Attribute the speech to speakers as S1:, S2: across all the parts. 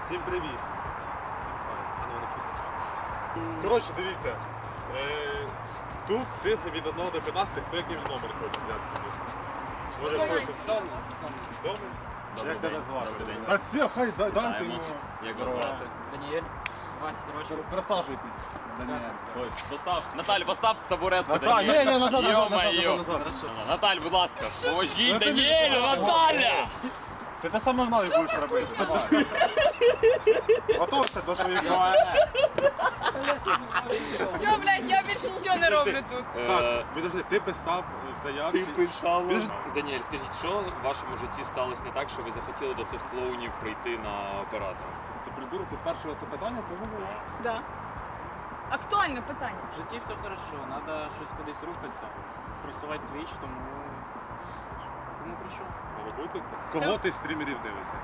S1: Всім привіт. Коротше, дивіться. Тут цифри від 1 до 15, хто який номер хоче взяти собі. Може хоче сьомий? Як тебе звати? А все, хай дайте йому.
S2: Як вас звати?
S3: Даніель, 20 років.
S1: Присаджуйтесь.
S2: Постав. Наталь, постав табуретку.
S1: Наталь, ні, назад.
S2: Наталь, будь ласка, поможіть Даніелю, Наталя!
S1: Ти те саме мною будеш робити. Готовся до своїх прав.
S4: Все, блядь, я більше нічого не роблю тут.
S1: Так, підожди, ти писав в заявці.
S2: Ти писав. Даніель, скажіть, що в вашому житті сталося не так, що ви захотіли до цих клоунів прийти на оператора?
S1: Ти придурок, ти спершу це питання, це задала.
S4: Да. Актуальне питання.
S3: В житті все хорошо, треба щось кудись рухатися, просувати твіч, тому прийшов.
S1: А ви будете? Кого ти з стрімерів дивишся?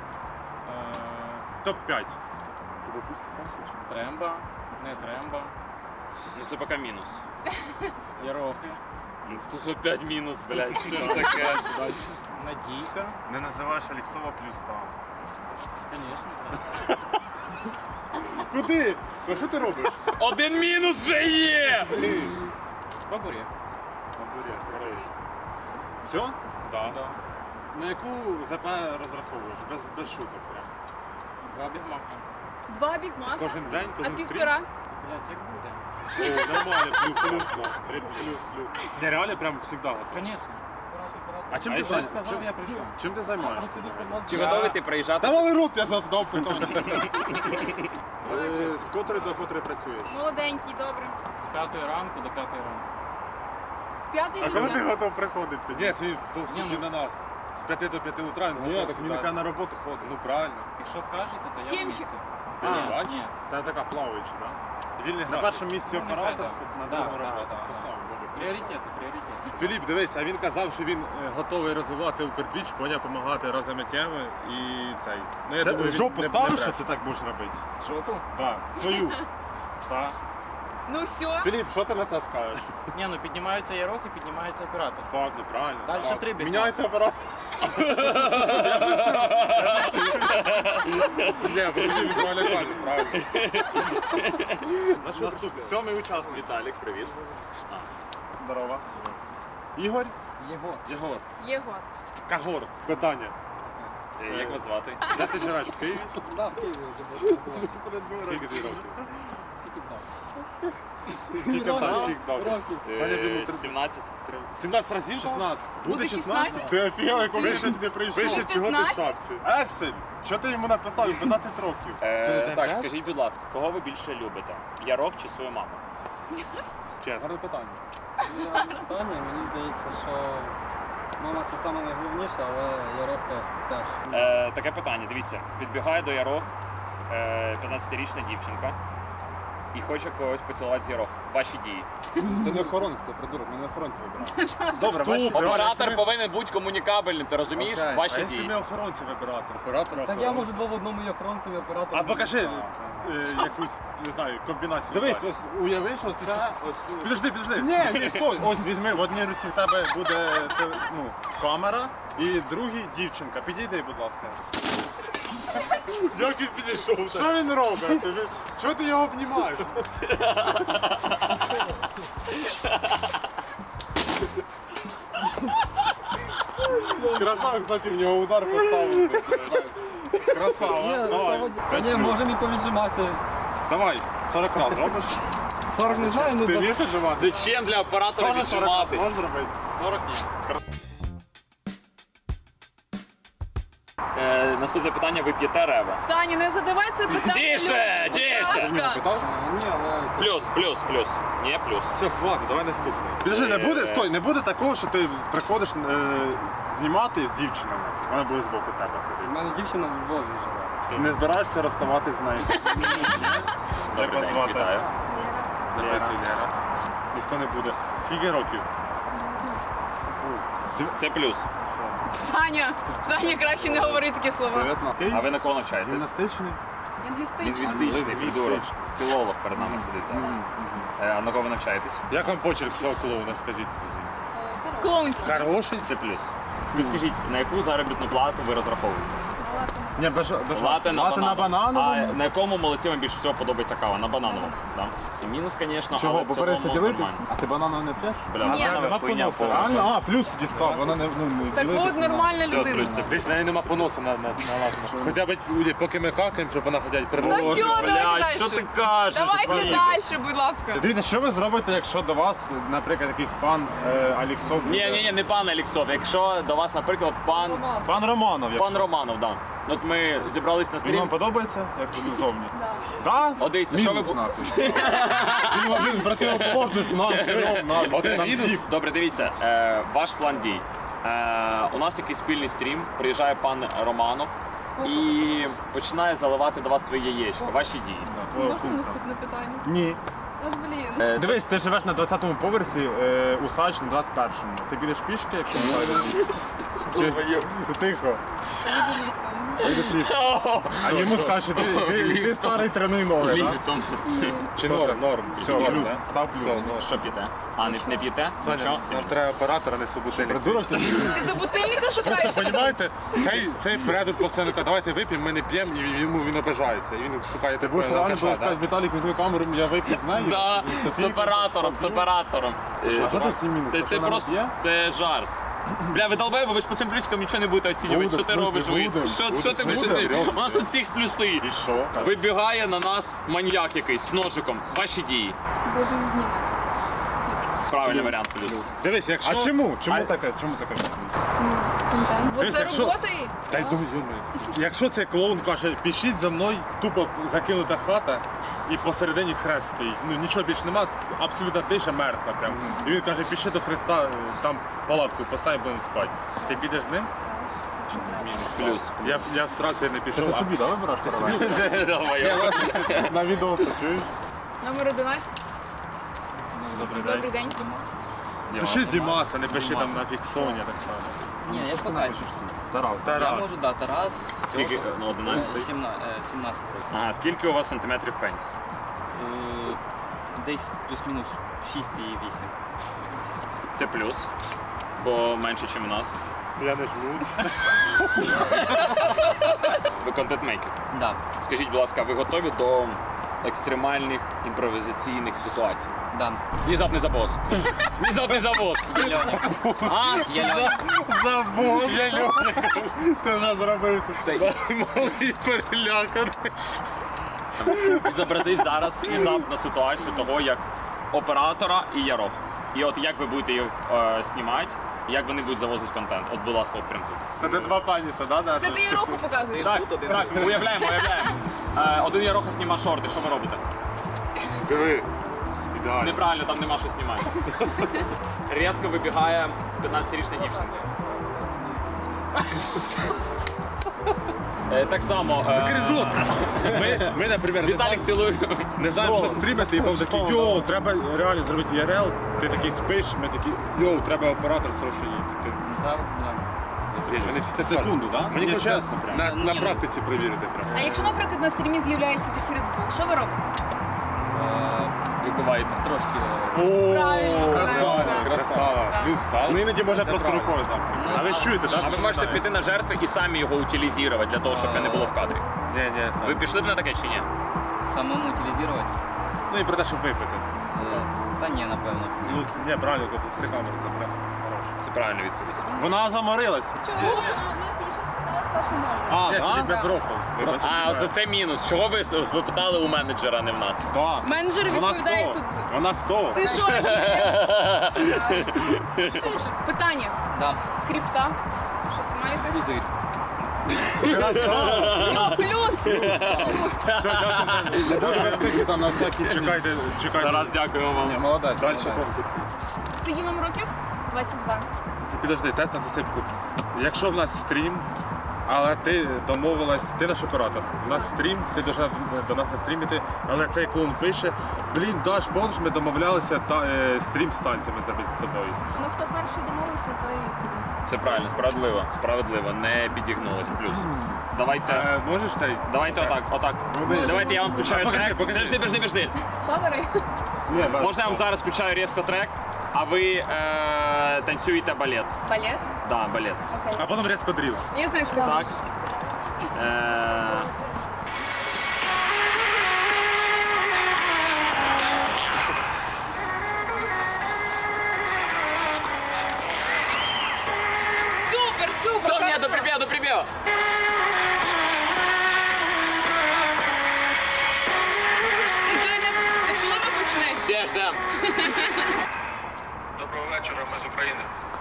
S1: Топ-5.
S3: Тремба, не тремба,
S2: Ну це поки мінус.
S3: Ярохи,
S2: Тут опять мінус, блядь, що ж таке?
S3: Надійка,
S1: Не називаєш Алексова плюс там.
S3: звісно.
S1: Куди? Ну що ти робиш?
S2: Один мінус вже є!
S3: Бабурєх.
S1: Все?
S2: Так.
S3: Да.
S1: На яку ЗП розраховуєш? Без шуток прям.
S3: 2 бігмака.
S4: 2 бігмака.
S1: Кожен день,
S4: А
S1: кожен стрім?
S4: півтора.
S3: Блять, як буде?
S1: О, нормально, плюс-плюс, да. 3 плюс-плюс. Не, реально прям завжди готовий.
S3: Звісно.
S1: А чим
S2: А
S1: ти
S2: якщо
S3: Як сказав, я прийшов.
S1: Чим ти займаєшся?
S2: Чи готовий ти приїжджати?
S1: Та мали рот, я задав питання. З котрої до котрої працюєш?
S4: Молоденький, добре.
S3: З 5 ранку до 5 ранку.
S4: З 5
S1: А коли ти
S4: до
S1: готов приходити? Ні, це по
S3: Ні,
S1: суті
S3: ну.
S1: на нас. З 5 до 5 утра він готовий. Ні, так він нехай на роботу ходить. Ну правильно.
S3: Якщо скажете, то я в
S4: Кімчик.
S3: місці.
S1: Ти
S3: Ні,
S1: не бачиш?
S3: ні.
S1: Та така плаваюча, так? Вільний на першому місці
S3: Ну, нехай
S1: оператор,
S3: так.
S1: тут на
S3: Да,
S1: другому
S3: да,
S1: робота.
S3: да, да.
S1: Красава, боже.
S3: Пріоритети.
S1: Філіп, дивись, а він казав, що він готовий розвивати Укртвіч, поняв, допомагати разом теми і цей. Ну, я думаю, жопу ставиш, що ти так будеш робити?
S3: Жопу?
S1: Так, свою. Так.
S4: Ну все.
S1: Філіп, що ти на це скажеш?
S3: Ні, ну піднімаються ярохи, піднімається оператор.
S1: Факт, неправильно.
S3: Дальше
S1: Так.
S3: 3 бігмака.
S1: Міняється оператор. Ні, посидів від правильно, правильно. Наступний, 7-й учасник.
S2: Віталік, привіт.
S1: Здорово. Ігор?
S3: Єгор.
S4: Єгор.
S1: Кагор. Питання.
S2: Як вас звати?
S1: Де ти живеш? В Києві?
S5: Да, в Києві вже
S1: Скільки ти років?
S5: Скільки
S1: Скільки сам скільки дав?
S5: років.
S1: Саня, він
S2: 17.
S1: 17 разів? 16.
S4: Буде 16?
S1: Ти офігел, як він щось не прийшов. Пише, чого ти в
S4: 15?
S1: шапці. Ексель, що ти йому написав? 15 років.
S2: Так, скажіть, будь ласка, кого ви більше любите? Ярох чи свою маму?
S1: Чесно. Гарне питання.
S5: Питання, мені здається, що мама це саме найголовніше, але Ярохи теж.
S2: Таке питання, дивіться, підбігає до Ярох 15-річна дівчинка і хоче когось поцілувати з Ярох. Ваші дії.
S1: Це не охоронець, ти придурок, ми не охоронці вибираємо. Добре, ваші
S2: Оператор повинен бути комунікабельним, ти розумієш?
S1: Окей.
S2: Ваші
S1: А якщо
S2: дії.
S1: ми охоронці вибирати? Оператора.
S5: Так я можу два в одному і охоронцем, і оператором.
S1: А покажи якусь, не знаю, комбінацію. Дивись, ось уяви, що це... Підожди. Ні, стой. Ось візьми, в одній руці в тебе буде камера і другій дівчинка. Підійди, будь ласка. Як він підійшов? Що він робить? Чого ти його обнімаєш? Красава, кстати, в нього удар поставив. Красава, давай.
S5: Та ні, можемо і повіджиматися.
S1: Давай, 40 раз робиш?
S5: 40 не знаю, ну
S1: Ти
S5: 20.
S1: вмієш віджимати?
S2: Зачем для оператора
S1: Тоже 40 раз
S2: віджиматись?
S1: можеш зробити?
S2: 40 ні. Наступне питання, ви п'єте рева?
S4: Саня, не задавай це питання.
S2: Тише,
S4: людям,
S2: тише.
S4: будь ласка.
S5: Ні, але...
S2: Плюс. Ні, плюс.
S1: Все, хватить, давай наступний. Підожди, не буде, стой, не буде такого, що ти приходиш знімати з дівчинами. Вона буде збоку тебе.
S5: У мене дівчина в Львові живе.
S1: Не збираєшся розставатись з нею.
S2: Добрий
S1: вас
S2: день,
S1: звати?
S2: вітаю.
S1: Записуй, Лера. Ніхто не буде. Скільки років?
S2: Це плюс.
S4: Саня, краще не говори такі слова.
S2: А ви на кого навчаєтесь?
S1: Гімнастичний?
S2: Лінгвістичний, придурок. Філолог перед нами сидить зараз. А на кого ви навчаєтесь?
S1: Як вам почерк цього клоуна, скажіть?
S4: Клоунський.
S1: Хороший.
S2: Це плюс. Ви скажіть, на яку заробітну плату ви розраховуєте?
S1: Ні, без
S2: Лате на
S1: банановому.
S2: банановому. А на якому молоці вам більше всього подобається кава? На банановому. Да. Це мінус, звісно,
S1: Чого?
S2: але
S1: Бо
S2: в цілому
S1: береться ділитись?
S2: нормально.
S1: А ти бананом не п'єш?
S2: Бля,
S4: Ні.
S2: бананова хуйня повна.
S1: Реально? А, плюс дістав, вона не
S4: Так от нормальна
S2: Все,
S4: людина.
S2: плюс це
S6: Десь в неї нема поносу на Хоча б поки ми какаємо, щоб вона хоча б
S4: Ну
S6: перебувала.
S4: все, давайте
S2: Блядь, що ти
S4: далі.
S2: кажеш?
S4: Давайте
S2: Павлік?
S4: далі, будь ласка.
S1: Дивіться, що ви зробите, якщо до вас, наприклад, якийсь пан Аліксов?
S2: Ні, не пан Аліксов. Якщо до вас, наприклад, пан
S1: Пан Романов, якщо.
S2: Романов, да. От ми зібрались на
S1: Він
S2: стрім.
S1: вам подобається, як він зовні?
S4: Да.
S1: Так?
S2: О, дивіться, що ви
S1: Він противоположний нам.
S6: Один мінус.
S2: Добре, дивіться, ваш план дій. У нас якийсь спільний стрім, приїжджає пан Романов і починає заливати до вас свої яєчко, ваші дії.
S4: Можна наступне питання?
S1: Ні.
S4: От, блін.
S1: Дивись, ти живеш на 20-му поверсі, Усач на 21-му. Ти підеш пішки, якщо не знайдеш? Тихо.
S4: Їду ліфтом.
S1: Підеш ліфтом. А йому скажеш, ти старий тренуй ноги, так?
S2: Ліфтом.
S6: Чи норм?
S1: Все, плюс, став плюс.
S2: Що п'єте? А, не п'єте?
S6: Саня,
S2: Нічого? Це
S6: нам
S2: мінус.
S6: треба оператора, не собутильник.
S1: Придурок ти?
S4: Ти собутильника шукаєш?
S6: Просто, розумієте, цей передок постійно каже, давайте вип'ємо, ми не п'ємо, і він обижається. І він шукає
S1: Ти будеш
S6: такого
S1: реально
S6: алкаша,
S1: сказати, Віталік, візьми камеру, я вип'ю з нею.
S2: Да, з оператором.
S1: А що ти 7 мінус?
S2: Це просто, це жарт. Бля, ви долбаєте, ви ж по цим плюсикам нічого не будете оцінювати.
S1: Будем,
S2: Що ти
S1: в смысле,
S2: робиш? Ви?
S1: будем.
S2: Що ти
S1: Будем,
S2: пишеш?
S1: серйозно.
S2: У нас тут всіх плюси.
S1: І що?
S2: Вибігає на нас маньяк якийсь з ножиком. Ваші дії.
S4: Буду знімати.
S2: Правильний варіант плюс.
S6: Дивись, якщо...
S1: А чому? Чому таке?
S4: Контент. Бо
S1: Дивись,
S4: це
S1: якщо-
S4: робота і...
S6: Та й
S1: Якщо цей клоун каже, пішіть за мною, тупо закинута хата і посередині хрест стоїть. Ну нічого більше нема, абсолютно тиша, мертва прям. І він каже, пішли до Христа, там палатку поставимо, будемо спати. Ти підеш з ним?
S2: Плюс.
S6: Я всрався і не пішов. а-
S1: собі, да, вибираєш? Ти собі?
S2: Давай.
S1: На відоси, чуєш?
S4: Номер 11. Добрий день.
S1: Пиши Дімаса, не пиши там нафіг Соня так само.
S5: Ні, я шукаю.
S1: Тарас.
S5: Я можу, да, Тарас.
S2: Скільки? Ну, 11.
S5: 17 років.
S2: Ага, скільки у вас сантиметрів пеніс?
S5: Десь плюс-мінус 6,8.
S2: Це плюс. Бо менше, ніж у нас.
S6: Я не жму.
S2: Ви контент-мейкер.
S5: Да,
S2: Скажіть, будь ласка, ви готові до екстремальних імпровізаційних ситуацій?
S5: да.
S2: Внезапний забос. Внезапний забос.
S5: Я Льоня.
S2: А?
S5: Я Льоня.
S1: Забув! Ти вже зробив це.
S6: Малий переляканий.
S2: І зобразіть зараз внезапну ситуацію того, як оператора і ярох. І от як ви будете їх знімати, як вони будуть завозити контент. От, будь ласка, от прямо тут.
S1: Це не два паніса, да?
S4: Це ти їй руку показуєш?
S2: Так, уявляємо. Один яроха зніма шорти, що ви робите?
S6: Диви. Ідеально.
S2: Неправильно, там нема що знімати. Різко вибігає 15-річна дівчинка. Так само.
S6: Закрий. Ми, наприклад,
S2: Віталік цілує.
S6: не знаємо, що стрімити, і був такий, йоу, треба реально зробити ІРЛ. Ти такий спиш, ми такі, йоу, треба оператор срочно їти.
S5: Да, да.
S6: Вони всі так
S1: Секунду,
S6: кажуть.
S1: да?
S6: Мені
S2: Ні,
S6: хочеться
S2: чесно прям.
S6: на практиці перевірити прям.
S4: А якщо, наприклад, на стрімі з'являється якийсь Red Bull, що ви робите?
S2: Випиваєте.
S5: Трошки.
S4: Правильно.
S6: Красава,
S4: правильно.
S6: красава.
S4: Так.
S6: Плюс стал.
S1: Ну іноді можна просто рукою там.
S6: А ви ж чуєте, так?
S2: А ви можете піти на жертви і самі його утилізувати для того, щоб це не було в кадрі.
S6: Ні,
S2: Ви пішли б на таке чи ні?
S5: Самому утилізувати?
S6: Ну і про те, щоб випити.
S5: Та ні, напевно.
S6: Ну, ні, правильно, коли з камери, це прям хороше.
S2: Це правильна відповідь.
S1: Вона заморилась.
S4: Чому? Вона більше спитала, сказала, що можна.
S1: А,
S6: Ні,
S1: да?
S6: мікрофон.
S2: А, оце це мінус. Чого ви питали у менеджера, а не в нас?
S1: Да.
S4: Менеджер
S1: Вона
S4: відповідає
S1: хто?
S4: тут.
S1: Вона 100.
S4: Ти що? Питання.
S5: Да.
S4: Крипта. Щось маєте?
S5: Пузир.
S4: Все, плюс.
S1: Все, дякую. Не буду вести там на всякі. Чекайте.
S2: Тарас, дякуємо вам.
S1: Молодець.
S6: Далі
S1: молодець.
S6: конкурс.
S4: Скільки вам років? 22.
S6: Підожди, тест на засипку. Якщо в нас стрім, але ти домовилась, ти наш оператор. У нас стрім, ти должна до нас настрімити, але цей клоун пише, блін, Даш, помниш, ми домовлялися стрім з танцями зробити з тобою.
S4: Ну хто перший домовився, той піде.
S2: Це правильно, справедливо, не підігнулось. Плюс. Давайте.
S6: Можеш цей?
S2: Давайте отак. Давайте я вам включаю
S6: Покажи,
S2: трек.
S6: покажи.
S2: Подожди.
S4: Складери?
S1: Ні, без-
S2: Можна я вам зараз включаю різко трек, а ви танцюєте балет.
S4: Балет?
S2: Да, балет.
S4: Окей.
S6: А потім різко дріл.
S4: Я знаю, що ти
S2: Так.
S4: можеш. Супер, супер!
S2: Стоп, ні,
S4: хорошо.
S2: доприпів!
S4: Ти коли не почнеш?
S2: Ще ждем.
S6: Доброго вечора, ми з України.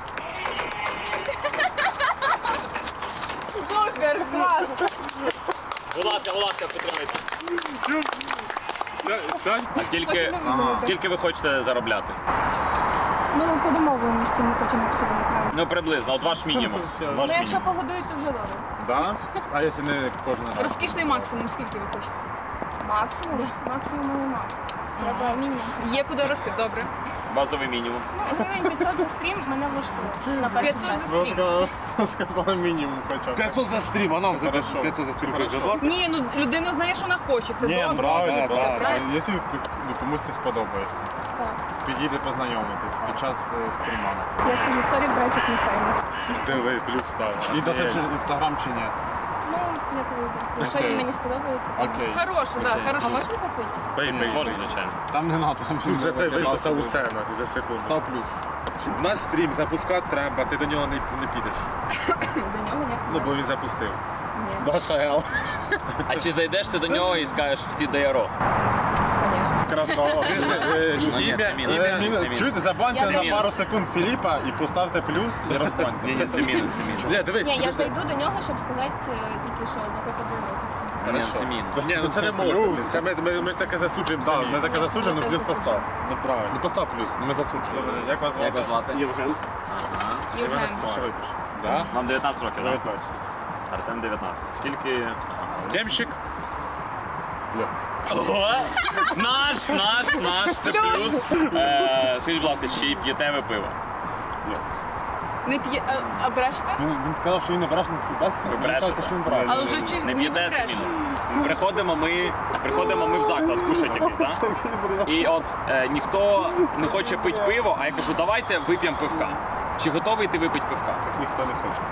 S4: Супер, клас!
S2: Будь ласка, підтримайте. А скільки ви хочете заробляти?
S7: Ну, по домовленості ми хочемо абсолютно.
S2: Ну, приблизно, от ваш мінімум. Ваш
S7: Ну, якщо
S2: мінімум.
S7: погодують, то вже добре.
S1: Да? А якщо не кожен раз?
S4: Розкішний максимум, скільки ви хочете?
S7: Максимум? Максимум нема. Треба мінімум.
S4: Є куди рости, добре.
S2: Базовий мінімум.
S7: Ну, гривень 500 за стрім мене влаштує. На перший
S4: 500
S7: час.
S4: за стрім.
S1: Сказали мінімум хоча б.
S6: 500 за стрім, а нам за
S1: Хорошо.
S6: 500 за стрім
S1: Хорошо.
S6: прийде.
S4: Ні, ну людина знає, що вона хоче. Це
S1: Ні,
S4: добре.
S1: правильно,
S6: да,
S1: правильно.
S4: правильно.
S1: Якщо ти комусь ти сподобаєшся,
S7: Так.
S1: підійди познайомитись під час стріма.
S7: Я скажу, сорі, братик, не файно.
S6: Диви, плюс став.
S1: І досить інстаграм чи ні?
S7: Ну, як вийде. Якщо
S1: Окей.
S7: він мені сподобається, то...
S1: Окей.
S4: Хороше, так,
S7: А
S4: хороше.
S7: можна попити?
S6: Пий,
S2: Можна, звичайно.
S1: Там не надо. Там
S6: Вже це висосав усе нахуй, за секунду.
S1: Став плюс.
S6: У нас стрім запускати треба, ти до нього не підеш.
S7: До нього як
S6: Ну, бо він запустив.
S7: Ні,
S1: Башаел.
S2: А чи зайдеш ти до нього і скажеш всі до Яро?
S7: звісно.
S1: Красава.
S2: Ну, ні, це мінус. Це мінус.
S1: Чуєте, забаньте
S7: Я
S1: на
S2: мінус.
S1: пару секунд Філіпа і поставте плюс і розбаньте.
S2: Ні, це мінус.
S6: Ні, дивись,
S7: Ні, я
S6: подожди.
S7: зайду до нього, щоб сказати тільки що заходити до нього.
S2: Ні, це мінус.
S6: Ні, ну це не можна. Це ми ж таке засуджуємо
S1: Так,
S6: самі.
S1: ми таке засуджуємо, ну плюс постав.
S6: Ну правильно.
S1: Ну постав плюс, ну ми засуджуємо. Добре, як вас звати?
S2: Як вас звати?
S1: Євген.
S4: Євген.
S1: Що випиш? Да?
S2: Вам 19 років, так?
S1: 19.
S2: Артем 19. Скільки?
S6: Демщик.
S2: Ого! Наш, це плюс. Скажіть, будь ласка, чи п'єте ви пиво?
S1: Ні.
S4: Не п'є, а брешете?
S1: Він сказав, що він не бреше на співбесіді.
S2: Ви
S1: Мені
S2: брешете.
S1: кажеться, що він бреше.
S4: Але вже чи
S2: Не п'єте, це мінус. Приходимо ми в заклад кушати якийсь, так? І от ніхто не хоче пити пиво, а я кажу, давайте вип'ємо пивка. Чи готовий ти випити пивка?
S1: Ніхто не хоче.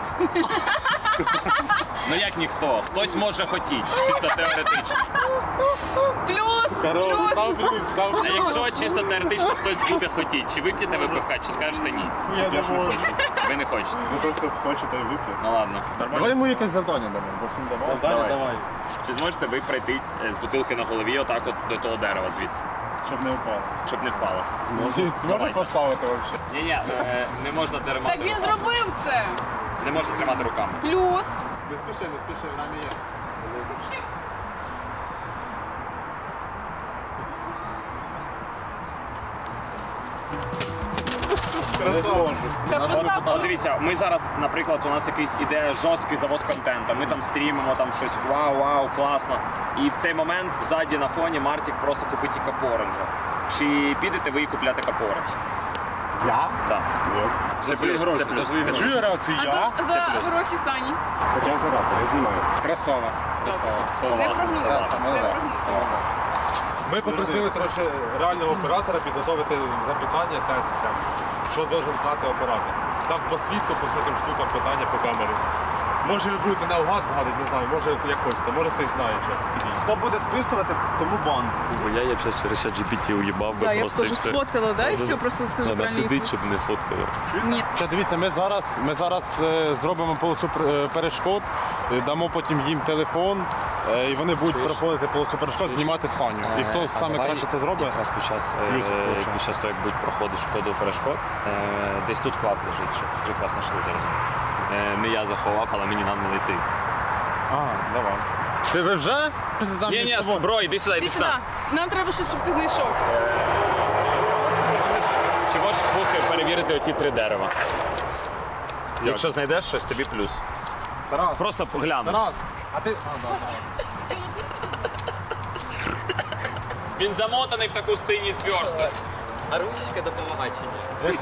S2: Ну як ніхто? Хтось може хотіти, чисто теоретично.
S4: Плюс! Плюс!
S2: А якщо чисто теоретично хтось буде хотіти, чи вип'єте ви пивка, чи скажете ні?
S1: Я не можу.
S2: Ви не хочете.
S1: Ну той, хто хоче, той вип'є.
S2: Ну ладно.
S1: Давай йому якесь завдання дамо, бо всім давай.
S2: Давай. Чи зможете ви пройтись з бутилки на голові отак от до того дерева звідси,
S1: Щоб не впало.
S2: щоб не впало?
S1: Зможеш
S2: Давайте.
S1: поставити взагалі?
S2: Ні, не можна тримати.
S4: Так він
S2: руками.
S4: зробив це!
S2: Не можна тримати руками.
S4: Плюс!
S1: Не спіши, время є. Красава.
S4: Та постав
S2: От дивіться, ми зараз, наприклад, у нас якийсь іде жорсткий завоз контенту. Ми там стрімимо, там щось вау, класно. І в цей момент ззаді на фоні Мартік просто купить і капоренджа. Чи підете ви купляти капорендж?
S1: Я?
S2: Так.
S1: Ні.
S2: Це плюс, це плюс. Це
S6: Чую
S2: плюс.
S6: реакцію
S4: А
S6: я.
S4: за гроші Сані.
S1: Так я оператор, я знімаю.
S6: Красава.
S4: Не прогнув. Не прогнув.
S6: Ми попросили коротше, реального оператора підготувати запитання, тест, що должен знати оператор. Там по свідку, по всяким штукам питання по камері. Може ви будете наугад вгадати, не знаю, може як хочете, може хтось знає що.
S1: Хто буде списувати, тому бан.
S8: Бо я б зараз через чат GPT уїбав би
S4: Так, я б
S8: просто і
S4: теж
S8: все.
S4: сфоткала, да, і все, просто скажу
S8: Треба
S4: правильно.
S8: слідити, щоб не фоткали.
S4: Ні.
S1: Ще дивіться, ми зараз зробимо полосу перешкод, дамо потім їм телефон, і вони будуть проходити полосу перешкод, знімати Саню. І хто саме краще це зробить?
S8: Якраз
S1: Плюсик получає.
S8: під час того, як будуть проходити шкоду перешкод, десь тут клад лежить, щоб вже клас знайшли зараз. Не я заховав, але мені треба знайти.
S1: Ага, давай. Ти ви вже?
S2: Ні, бро, іди сюди,
S4: Ти
S2: іди
S4: сюди.
S2: сюди.
S4: Нам треба щось, щоб ти знайшов.
S2: Чи можеш поки перевірити оті 3 дерева? Якщо знайдеш щось, тобі плюс.
S1: Тарас,
S2: Просто погляну.
S1: Тарас, а ти...
S2: Він замотаний в таку синій сверсток.
S3: А ручечка допомагає чи ні?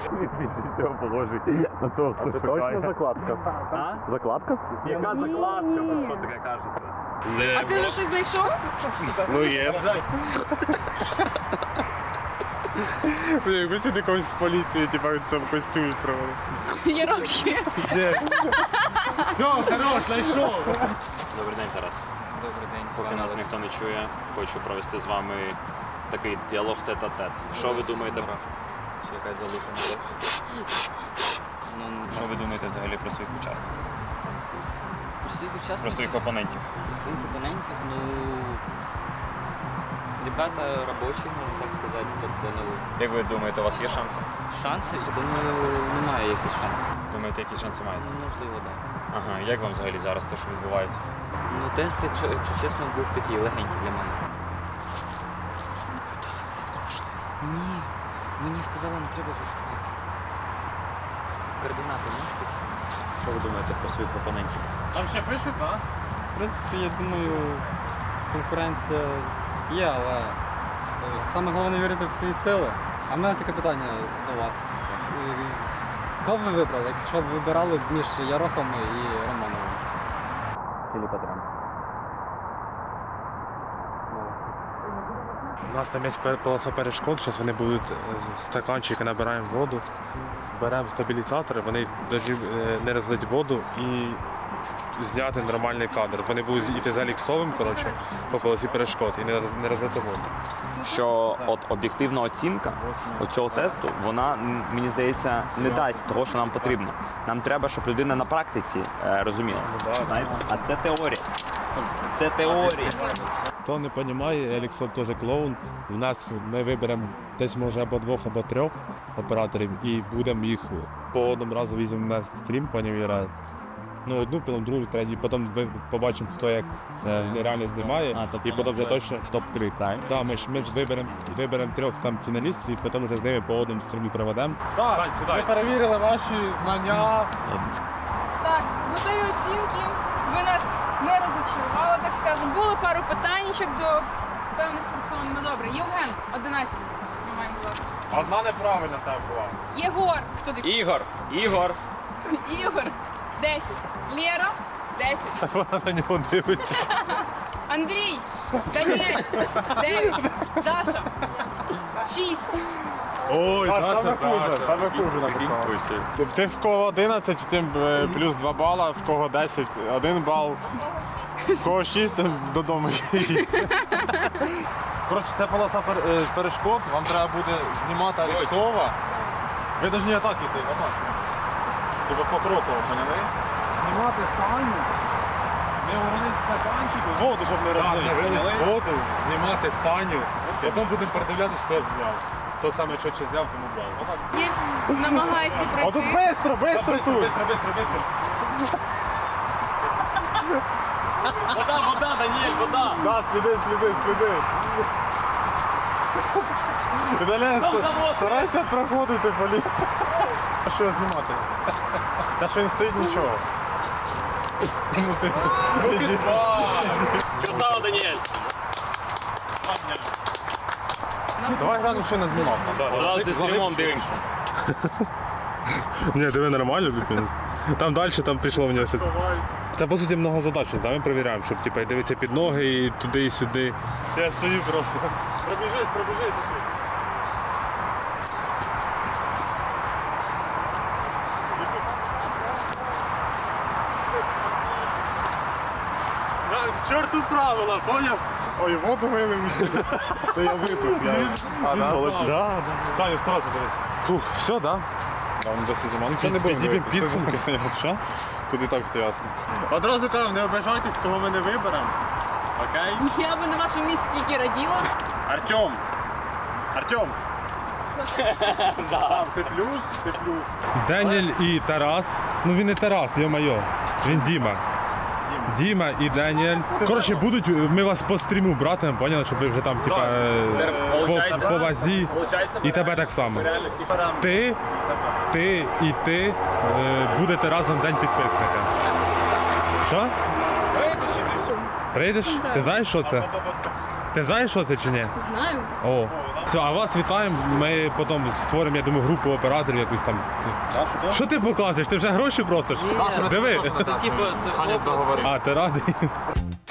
S1: А це точно закладка?
S2: А?
S1: Закладка?
S2: Яка закладка? Ви що таке кажете?
S4: А ти вже щось знайшов?
S1: Ну є. Якби сюди когось в поліції, типа в цьому костюмі провели.
S4: Я роблю.
S1: Ні.
S6: Все, хорош, знайшов.
S8: Добрий день, Тарас.
S3: Добрий день.
S8: Поки
S3: пане
S8: нас
S3: Олексій.
S8: ніхто не чує, хочу провести з вами такий діалог тет-а-тет. Що ви думаєте?
S3: Чи якась залуха не є? Ну,
S8: Що ви думаєте взагалі про своїх учасників?
S3: про своїх
S8: Про
S3: учасників,
S8: своїх опонентів?
S3: про своїх опонентів, ну... Ребята робочі, можна так сказати. Тобто, ну,
S8: Як ви думаєте, у вас є шанси?
S3: шанси, я думаю, немає якихось шансів.
S8: Думаєте, які шанси маєте?
S3: Ну, можливо, так.
S8: Ага, як вам взагалі зараз те, що відбувається?
S3: Ну, тест, якщо чесно, був такий легенький для мене. Ні, мені сказали, не треба вже шукати. Координати можеш підсказати?
S8: Що ви думаєте про своїх опонентів?
S1: Там ще пишуть, так?
S5: В принципі, я думаю, конкуренція є, але саме головне вірити в свої сили. А в мене таке питання до вас. Кого б ви вибрали, якщо б вибирали між Ярохом і Романовим?
S8: Філіпа Драм.
S6: У нас там є полоса перешкод, зараз вони будуть з стаканчика набираємо воду, беремо стабілізатори, вони повинні не розлити воду і зняти нормальний кадр. Вони будуть йти за ліксовим, коротше, по полосі перешкод і не розлити воду.
S2: Що от об'єктивна оцінка оцього тесту, вона, мені здається, не дасть того, що нам потрібно. Нам треба, щоб людина на практиці розуміла. Знаєте? А це теорія. Це теорія.
S6: Хто не розуміє, Еліксон теж клоун. У нас ми виберемо десь може або 2, або 3 операторів і будемо їх по одному разу візьмемо на стрім, пані Віра. Ну, одну, потім другу, третю, потім ви побачимо, хто як це реально знімає, і потім вже точно топ-3, правильно? Так, ми ж виберемо 3 там фіналістів, і потім вже з ними по одному стрімі проведемо.
S1: Так, ми перевірили ваші знання.
S4: Так, готові оцінки. Ви нас не розчарували, так скажемо. Були пару питаннячок до певних персон. Ну добре, Євген, 11. Ми маємо 20.
S1: Одна неправильна тебе була.
S4: Єгор, хто такий?
S2: Ігор!
S4: Ігор, 10. Лєра, 10.
S1: Вона на нього дивиться.
S4: Андрій, Даніель, 9. Даша, 6.
S1: Ой, саме хуже написала. В тих, в кого 11, тим плюс 2 бала, в кого 10, 1 бал, в кого 6, тим додому їдь. Коротше, це полоса перешкод, вам треба буде знімати Алексова. Ви повинні отак іти, отак. Тобто покроково, поняли? Знімати Саню, не уронити стаканчик, воду, щоб не розлити. Воду, знімати Саню, потім будемо передивлятися, хто зняв. Хто саме швидше зняв, тому бал. Отак.
S4: Намагається
S1: А тут
S4: пройти.
S1: бистро тут!
S2: Вода, Даніель, вода!
S1: Да, сліди. Віталій, старайся проходити, полі. А що знімати? Та що він стоїть нічого.
S2: Красава, Даніель!
S1: Давай глянемо, що не знімав.
S2: Одразу зі стрімом дивимося.
S6: Ні, диви нормально плюс-мінус. Там далі, там пішло в нього щось. Це по суті много задач, да? Ми перевіряємо, щоб типу, дивитися під ноги і туди, і сюди. Я стою просто. Пробіжись. Чорту правила, поняв?
S1: Ой, воду вилив усі. То я випив. Да.
S6: Саня, старайся дивись.
S1: Фух, все, да? Да, він досі зима. Ну, це не будемо
S6: Підіб'ємо
S1: дивитися.
S6: підсумки.
S1: Що? Тут і так все ясно. Одразу кажу, не обижайтесь, кого ми не виберемо. Окей?
S4: Я би на вашому місці тільки раділа.
S1: Артем! Ти плюс.
S6: Даніель і Тарас. Ну він не Тарас, йо-майо. Він Діма. Діма і Даніель. Коротше, ми вас по стріму братимемо, поняли, щоб ви вже там, типа, по вазі. І тебе так само.
S2: Реально всі
S6: Ти і ти будете разом день підписника. Що? Прийдеш? Ти знаєш, що це? Ти знаєш, що це чи ні?
S4: Знаю.
S6: О, все, а вас вітаємо. Ми потім створимо, я думаю, групу операторів якусь там. Що ти показуєш? Ти вже гроші просиш? Диви.
S3: Це типу, це образ.
S6: А, ти радий?